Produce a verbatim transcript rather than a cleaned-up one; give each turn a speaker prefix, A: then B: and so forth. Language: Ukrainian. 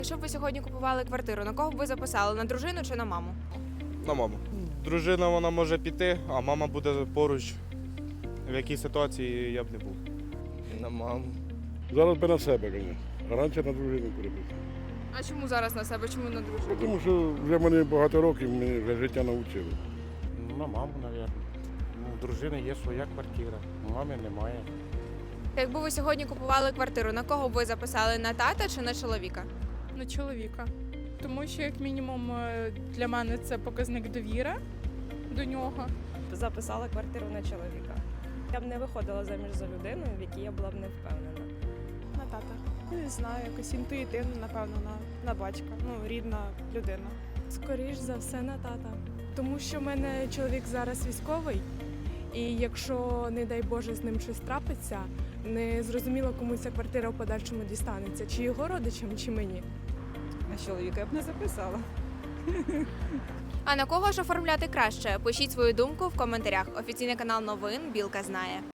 A: Якщо б ви сьогодні купували квартиру, на кого б ви записали? На дружину чи на маму?
B: На маму. Дружина вона може піти, а мама буде поруч. В якій ситуації я б не був.
C: На маму.
D: Зараз би на себе, звісно. А раніше на дружину переписав.
A: А чому зараз на себе? Чому на дружину?
D: Тому що вже мене багато років, мене вже життя навчило.
E: На маму, мабуть. Ну, у дружини є своя квартира, у мами немає.
A: Якби ви сьогодні купували квартиру, на кого б ви записали? На тата чи на чоловіка?
F: На чоловіка. Тому що, як мінімум, е, для мене це показник довіри до нього.
G: Записала квартиру на чоловіка. Я б не виходила заміж за людину, в якій я була б не впевнена.
H: На тата. Ну, не знаю, якось інтуїтивно, напевно, на, на батька. Ну, рідна людина.
I: Скоріш за все на тата. Тому що в мене чоловік зараз військовий, і якщо, не дай Боже, з ним щось трапиться, не зрозуміло, кому ця квартира в подальшому дістанеться, чи його родичам, чи мені.
G: На чоловіка я б не записала.
A: А на кого ж оформляти краще? Пишіть свою думку в коментарях. Офіційний канал новин Білка знає.